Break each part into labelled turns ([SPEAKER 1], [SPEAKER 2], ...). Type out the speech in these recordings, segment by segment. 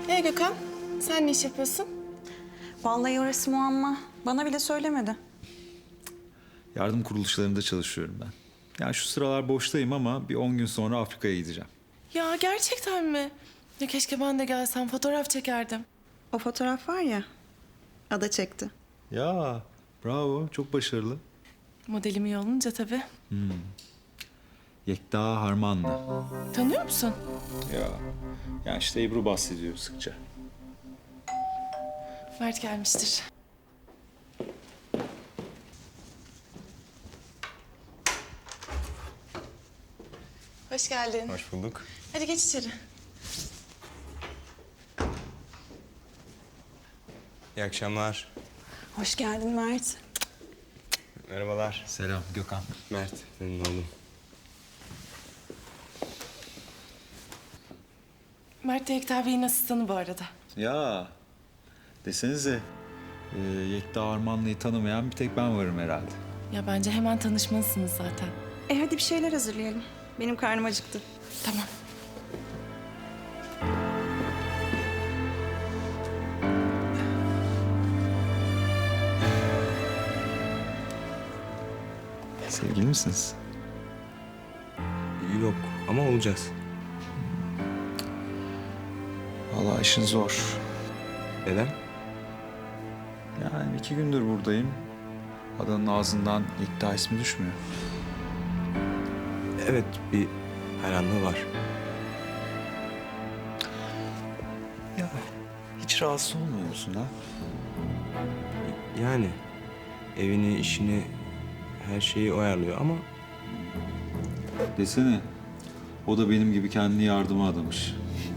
[SPEAKER 1] Gökhan, sen ne iş yapıyorsun?
[SPEAKER 2] Vallahi orası muamma. Bana bile söylemedi.
[SPEAKER 3] Yardım kuruluşlarında çalışıyorum ben. Yani şu sıralar boştayım ama bir 10 gün sonra Afrika'ya gideceğim.
[SPEAKER 1] Ya gerçekten mi? Ya keşke ben de gelsem, fotoğraf çekerdim.
[SPEAKER 2] O fotoğraf var ya, Ada çekti.
[SPEAKER 3] Ya bravo, çok başarılı.
[SPEAKER 1] Modelim iyi olunca tabii.
[SPEAKER 3] Yekta Harmanlı.
[SPEAKER 1] Tanıyor musun?
[SPEAKER 3] Ya yani işte Ebru bahsediyor sıkça.
[SPEAKER 1] Mert gelmiştir. Hoş geldin.
[SPEAKER 4] Hoş bulduk.
[SPEAKER 1] Hadi geç içeri.
[SPEAKER 4] İyi akşamlar.
[SPEAKER 2] Hoş geldin Mert.
[SPEAKER 4] Merhabalar.
[SPEAKER 3] Selam Gökhan.
[SPEAKER 4] Mert, memnun oldum.
[SPEAKER 1] Mert de Yekta Bey'in asistanı bu arada.
[SPEAKER 3] Ya desenize Yekta Harmanlı'yı tanımayan bir tek ben varım herhalde.
[SPEAKER 1] Ya bence hemen tanışmalısınız zaten.
[SPEAKER 2] Hadi bir şeyler hazırlayalım. Benim karnım acıktı.
[SPEAKER 1] Tamam.
[SPEAKER 3] Sevgili misiniz?
[SPEAKER 4] Yok ama olacağız.
[SPEAKER 3] Vallahi işin zor.
[SPEAKER 4] Neden?
[SPEAKER 3] Yani 2 gündür buradayım. Adanın ağzından Yekta ismi düşmüyor.
[SPEAKER 4] Evet, bir hayranlığı var.
[SPEAKER 3] Ya hiç rahatsız olmuyor musun ha?
[SPEAKER 4] Yani evini, işini, her şeyi o ayarlıyor ama
[SPEAKER 3] Desene. O da benim gibi kendini yardıma adamış.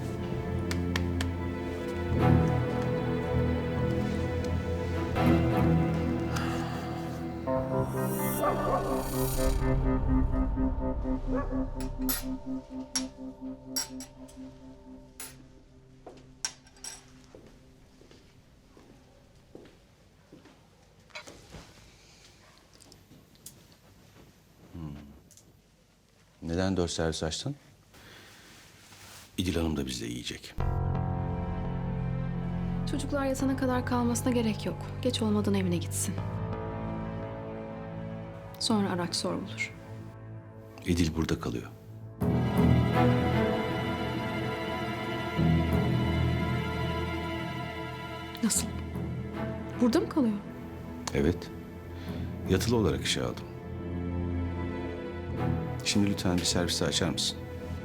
[SPEAKER 5] Neden 4 servis açtın? İdil Hanım da bizde yiyecek.
[SPEAKER 6] Çocuklar yatana kadar kalmasına gerek yok. Geç olmadan evine gitsin. Sonra araç sorulur.
[SPEAKER 5] İdil burada kalıyor.
[SPEAKER 6] Nasıl? Burada mı kalıyor?
[SPEAKER 5] Evet. Yatılı olarak işe aldım. Şimdi lütfen bir servisi açar mısın?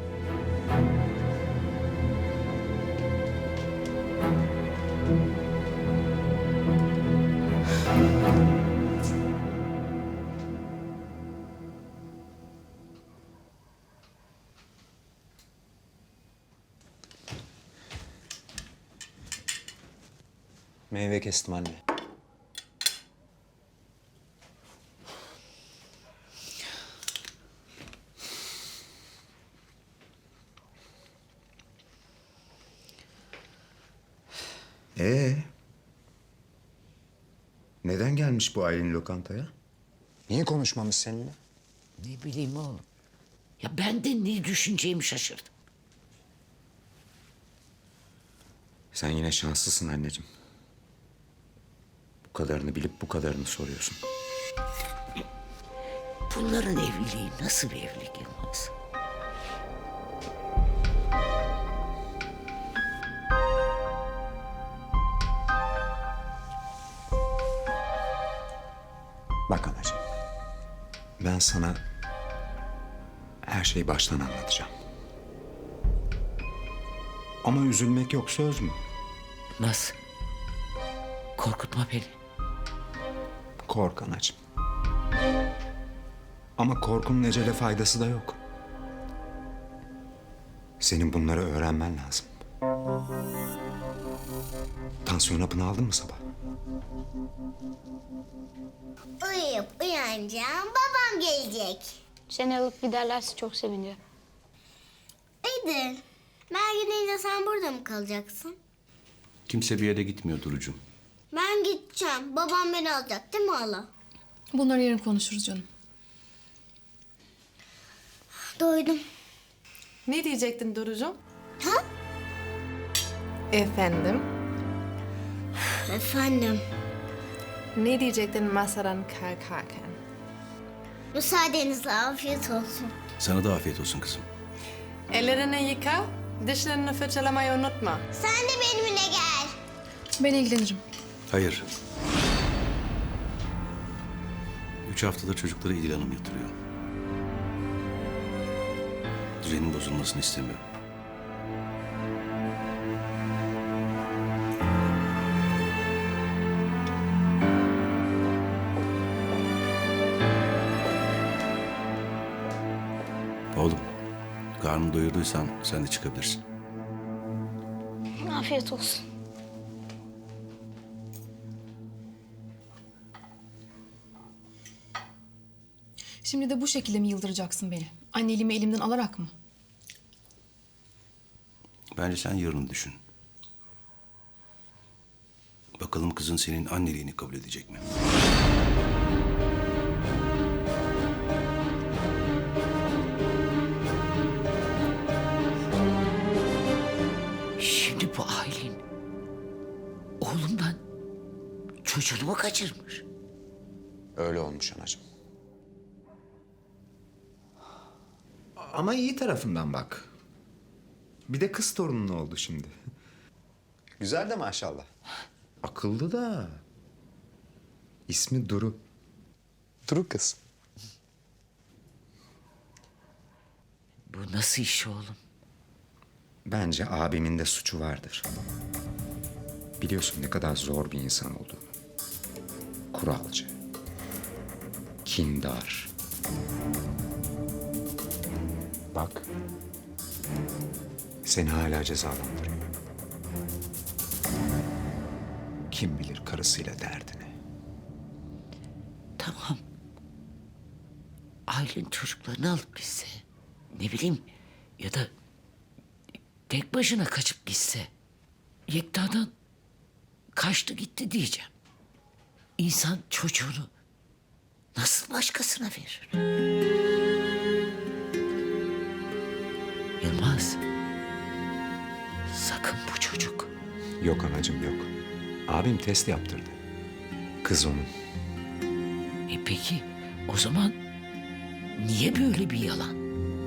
[SPEAKER 4] meyve kestim anne.
[SPEAKER 7] Neden gelmiş bu Aylin lokantaya?
[SPEAKER 8] Niye konuşmamış seninle?
[SPEAKER 9] Ne bileyim oğlum. Ya ben de ne düşüneceğimi şaşırdım.
[SPEAKER 7] Sen yine şanslısın anneciğim. Bu kadarını bilip bu kadarını soruyorsun.
[SPEAKER 9] Bunların evliliği nasıl bir evlilik Yılmaz?
[SPEAKER 7] Bak anacığım. Ben sana her şeyi baştan anlatacağım. Ama üzülmek yok, söz mü?
[SPEAKER 9] Nasıl? Korkutma beni.
[SPEAKER 7] Kork anacığım. Ama korkunun ecele faydası da yok. Senin bunları öğrenmen lazım. Tansiyon hapını aldın mı sabah?
[SPEAKER 10] Uyuyup uyanacağım, babam gelecek.
[SPEAKER 11] Seni alıp giderlerse çok sevinirim.
[SPEAKER 10] İdil, ben gidince sen burada mı kalacaksın?
[SPEAKER 5] Kimse bir yere gitmiyor Duru'cum.
[SPEAKER 10] Ben gideceğim, babam beni alacak değil mi hala?
[SPEAKER 6] Bunları yarın konuşuruz canım.
[SPEAKER 10] Doydum.
[SPEAKER 1] Ne diyecektin Duru'cum?
[SPEAKER 10] Ha?
[SPEAKER 1] Efendim?
[SPEAKER 10] Efendim,
[SPEAKER 1] Ne diyecektin masadan kalkarken?
[SPEAKER 10] müsaadenizle afiyet olsun.
[SPEAKER 5] Sana da afiyet olsun kızım.
[SPEAKER 1] Ellerini yıka, dişlerini fırçalamayı unutma.
[SPEAKER 10] Sen de benimle gel.
[SPEAKER 6] Ben ilgilenirim.
[SPEAKER 5] Hayır. 3 haftadır çocukları İdil Hanım yatırıyor. Düzenin bozulmasını istemiyorum. Oğlum, karnını doyurduysan sen de çıkabilirsin.
[SPEAKER 11] Afiyet olsun.
[SPEAKER 6] Şimdi de bu şekilde mi yıldıracaksın beni? Anneliğimi elimden alarak mı?
[SPEAKER 5] Bence sen yarını düşün. Bakalım kızın senin anneliğini kabul edecek mi?
[SPEAKER 9] Şimdi bu Aylin oğlumdan çocuğunu mu kaçırmış?
[SPEAKER 8] Öyle olmuş anacığım.
[SPEAKER 12] Ama iyi tarafından bak. Bir de kız torunun oldu şimdi.
[SPEAKER 8] Güzel de maşallah.
[SPEAKER 12] Akıllı da. İsmi Duru.
[SPEAKER 8] Duru kız.
[SPEAKER 9] Bu nasıl iş oğlum?
[SPEAKER 8] Bence abimin de suçu vardır. Biliyorsun ne kadar zor bir insan olduğunu. Kuralcı. Kindar. Bak. Seni hala cezalandırıyor. Kim bilir karısıyla derdini.
[SPEAKER 9] Tamam. Aylin çocuklarını alıp gitse. Ne bileyim ya da tek başına kaçıp gitse. Yekta'dan kaçtı gitti diyeceğim. İnsan çocuğunu nasıl başkasına verir? Yılmaz. Sakın bu çocuk.
[SPEAKER 8] Yok anacığım yok. Abim test yaptırdı. Kız onun.
[SPEAKER 9] Peki o zaman niye böyle bir yalan?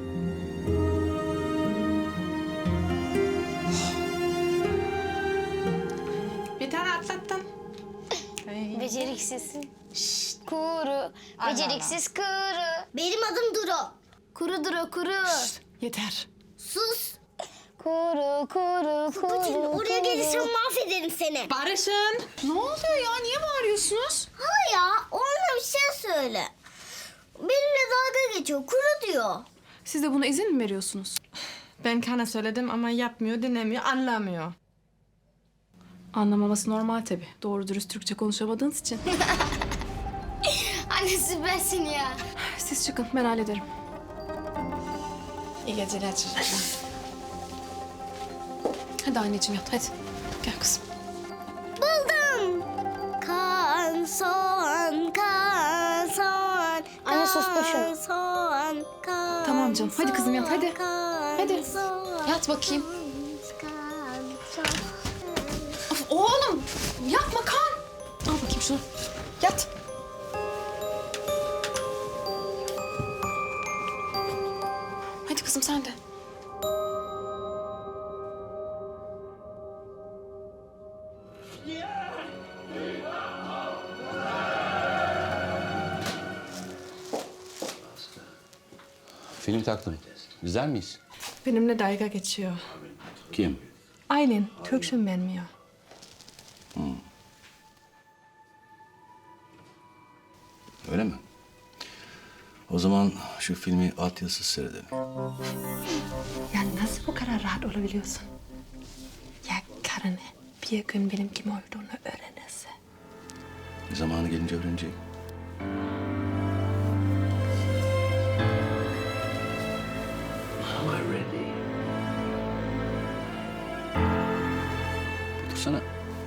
[SPEAKER 1] Bir tane atlattın.
[SPEAKER 11] Beceriksiz. Şşt, kuru. Beceriksiz kuru.
[SPEAKER 10] Benim adım Duru.
[SPEAKER 11] Kuru Duru kuru.
[SPEAKER 1] Yeter.
[SPEAKER 10] Sus.
[SPEAKER 11] Kuru kuru
[SPEAKER 10] Kutucuğum,
[SPEAKER 11] kuru.
[SPEAKER 10] oraya gelirsen mahvederim seni.
[SPEAKER 1] Barış'ın.
[SPEAKER 6] Ne oluyor ya? Niye bağırıyorsunuz?
[SPEAKER 10] Hala ya, ona bir şey söyle. Benimle dalga geçiyor, kuru diyor.
[SPEAKER 6] Siz de buna izin mi veriyorsunuz?
[SPEAKER 1] Ben Kan'a söyledim ama yapmıyor, dinlemiyor, anlamıyor.
[SPEAKER 6] Anlamaması normal tabii. Doğru dürüst Türkçe konuşamadığınız için.
[SPEAKER 11] Anne süpersin ya.
[SPEAKER 6] Siz çıkın, ben hallederim.
[SPEAKER 1] İyi geceler çocuklar.
[SPEAKER 6] Hadi anneciğim yat, hadi. Gel kızım.
[SPEAKER 10] Buldum. Kan, soğan, kan, soğan.
[SPEAKER 11] Anne, sus da şunu.
[SPEAKER 10] Kan, soğan, kan,
[SPEAKER 6] Tamam canım, hadi kızım yat, hadi.
[SPEAKER 10] kan,
[SPEAKER 6] Hadi.
[SPEAKER 10] soğan,
[SPEAKER 6] Yat bakayım.
[SPEAKER 10] kan, soğan.
[SPEAKER 6] Of, oğlum, yapma kan. Al bakayım şunu. Yat. Hadi kızım sen de.
[SPEAKER 5] Film taktım. İzler miyiz?
[SPEAKER 1] Benimle dalga geçiyor.
[SPEAKER 5] Kim?
[SPEAKER 1] Aylin, Türkçe bilmiyor.
[SPEAKER 5] Öyle mi? O zaman şu filmi altyazısız seyredelim.
[SPEAKER 1] Ya nasıl bu kadar rahat olabiliyorsun? Ya karını bir gün benim kim olduğunu öğrenirse.
[SPEAKER 5] Zamanı gelince öğrenecek. Otursana.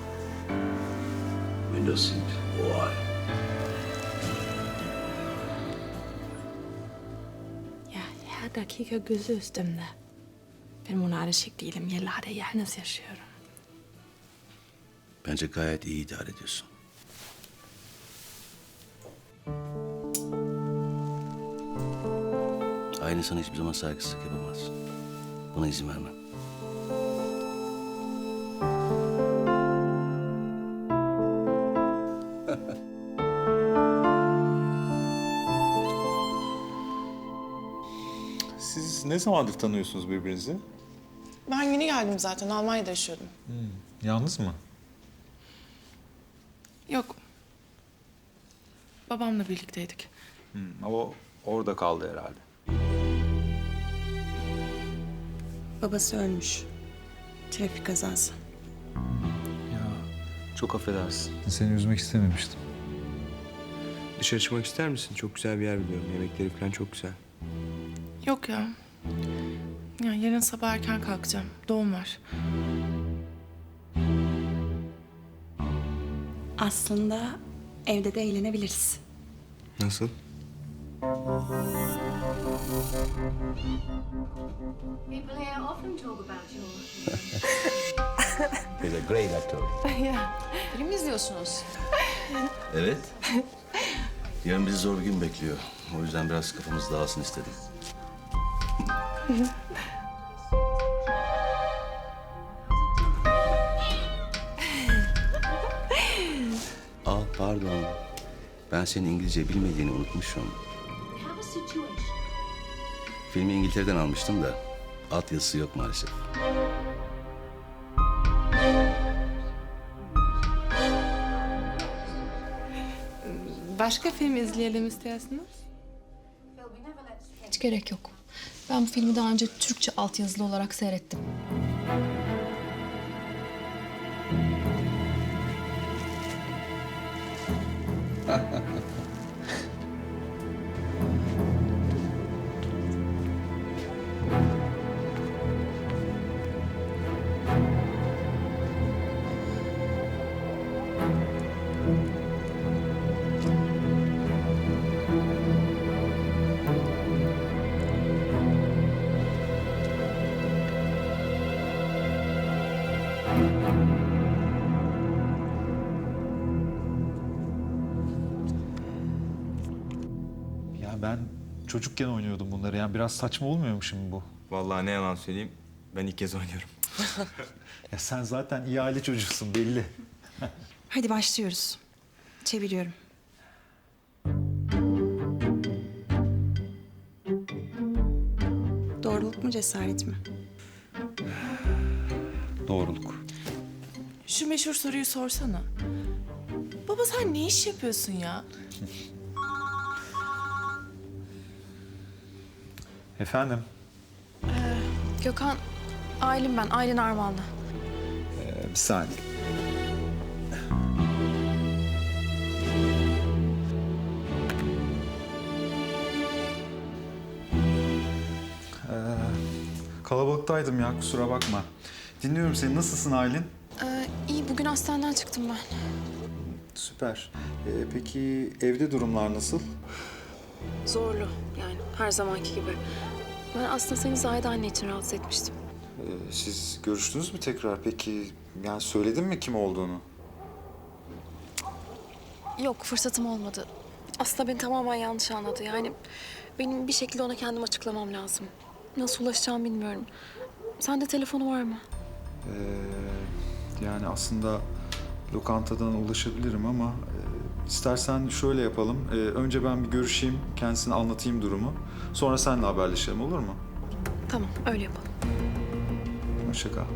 [SPEAKER 5] Window seat. Why?
[SPEAKER 1] Ya her dakika gözü üstümde. Ben buna alışık değilim. Yıllardır yalnız yaşıyorum.
[SPEAKER 5] Bence gayet iyi idare ediyorsun. Aile sana hiçbir zaman saygısızlık yapamaz. Buna izin vermem.
[SPEAKER 3] Siz ne zamandır tanıyorsunuz birbirinizi?
[SPEAKER 2] Ben yeni geldim zaten. Almanya'da yaşıyordum.
[SPEAKER 3] Yalnız mı?
[SPEAKER 2] Yok. Babamla birlikteydik.
[SPEAKER 3] O orada kaldı herhalde.
[SPEAKER 2] Babası ölmüş. Trafik kazası.
[SPEAKER 4] Ya çok affedersin.
[SPEAKER 3] Seni üzmek istememiştim.
[SPEAKER 4] Dışarı çıkmak ister misin? Çok güzel bir yer biliyorum. Yemekleri falan çok güzel.
[SPEAKER 2] Yok ya. Ya yarın sabah erken kalkacağım. Doğum var. Aslında evde de eğlenebiliriz.
[SPEAKER 4] Nasıl?
[SPEAKER 11] People here often talk about your...
[SPEAKER 5] He's a great actor.
[SPEAKER 6] Film mi izliyorsunuz?
[SPEAKER 5] Evet. Yarın bizi zor bir gün bekliyor. O yüzden biraz kafamız dağılsın istedim. Pardon. Ben senin İngilizce bilmediğini unutmuşum. Filmi İngiltere'den almıştım da altyazısı yok maalesef.
[SPEAKER 2] Başka film izleyelim istiyorsunuz?
[SPEAKER 1] Hiç gerek yok. Ben bu filmi daha önce Türkçe altyazılı olarak seyrettim.
[SPEAKER 3] Ya ben çocukken oynuyordum bunları. Yani biraz saçma olmuyor mu şimdi bu?
[SPEAKER 4] Vallahi ne yalan söyleyeyim. Ben ilk kez oynuyorum.
[SPEAKER 3] Ya sen zaten iyi aile çocuğusun belli.
[SPEAKER 2] Hadi başlıyoruz. Çeviriyorum. Doğruluk mu cesaret mi?
[SPEAKER 3] Doğruluk.
[SPEAKER 2] Şu meşhur soruyu sorsana. Baba sen ne iş yapıyorsun ya?
[SPEAKER 3] Efendim?
[SPEAKER 6] Gökhan, Aylin ben. Aylin Armağanlı.
[SPEAKER 3] Bir saniye. Kalabalıktaydım ya, kusura bakma. Dinliyorum seni. Nasılsın Aylin?
[SPEAKER 6] İyi, bugün hastaneden çıktım ben.
[SPEAKER 3] Süper. Peki evde durumlar nasıl?
[SPEAKER 6] Zorlu yani her zamanki gibi. Ben aslında seni Zahide anne için rahatsız etmiştim.
[SPEAKER 3] Siz görüştünüz mü tekrar? Peki yani söyledin mi kim olduğunu?
[SPEAKER 6] Yok, fırsatım olmadı. Aslında beni tamamen yanlış anladı. Yani benim bir şekilde ona kendim açıklamam lazım. Nasıl ulaşacağımı bilmiyorum. Sende telefonu var mı?
[SPEAKER 3] Yani aslında lokantadan ulaşabilirim ama istersen şöyle yapalım. Önce ben bir görüşeyim, kendisine anlatayım durumu. Sonra seninle haberleşelim, olur mu?
[SPEAKER 6] Tamam, öyle yapalım.
[SPEAKER 3] Hoşça kal.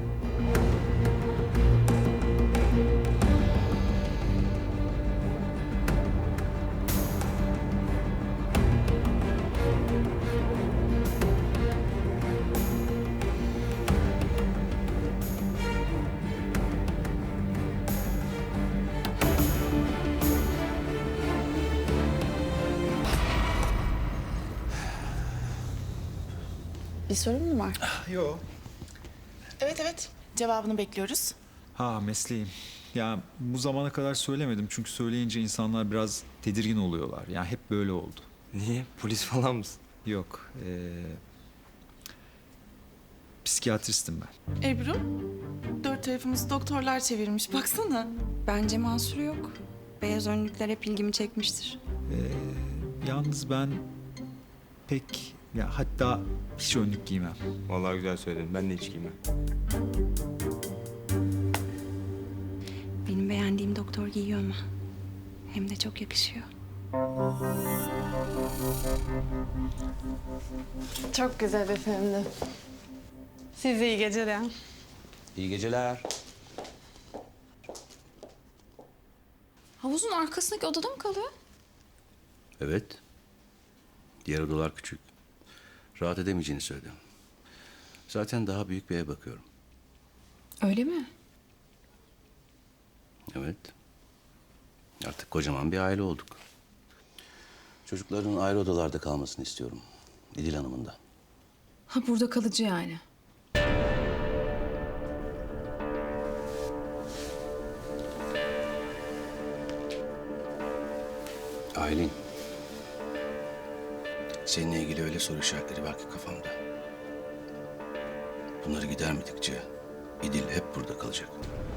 [SPEAKER 2] Bir sorun mu var?
[SPEAKER 3] Yok.
[SPEAKER 2] Evet. Cevabını bekliyoruz.
[SPEAKER 3] Ha, mesleğim. Ya bu zamana kadar söylemedim çünkü söyleyince insanlar biraz tedirgin oluyorlar. Yani hep böyle oldu.
[SPEAKER 4] Niye? Polis falan mısın?
[SPEAKER 3] Yok. Psikiyatristim ben.
[SPEAKER 2] Ebru, dört tarafımızı doktorlar çevirmiş. Baksana.
[SPEAKER 13] Bence mahsuru yok. Beyaz önlükler hep ilgimi çekmiştir.
[SPEAKER 3] Yalnız ben pek hatta hiç önlük giymem.
[SPEAKER 4] Vallahi güzel söyledin. Ben de hiç giymem.
[SPEAKER 13] Benim beğendiğim doktor giyiyor ama. Hem de çok yakışıyor.
[SPEAKER 1] Çok güzel bir filmdi. Size iyi geceler.
[SPEAKER 5] İyi geceler.
[SPEAKER 6] Havuzun arkasındaki odada mı kalıyor?
[SPEAKER 5] Evet. Diğer odalar küçük. Rahat edemeyeceğini söyledim. Zaten daha büyük bir eve bakıyorum.
[SPEAKER 6] Öyle mi?
[SPEAKER 5] Evet. Artık kocaman bir aile olduk. Çocukların ayrı odalarda kalmasını istiyorum. İdil Hanım'ın da.
[SPEAKER 6] Ha burada kalıcı yani.
[SPEAKER 5] Aylin. Seninle ilgili öyle soru işaretleri var ki kafamda. Bunları gidermedikçe İdil hep burada kalacak.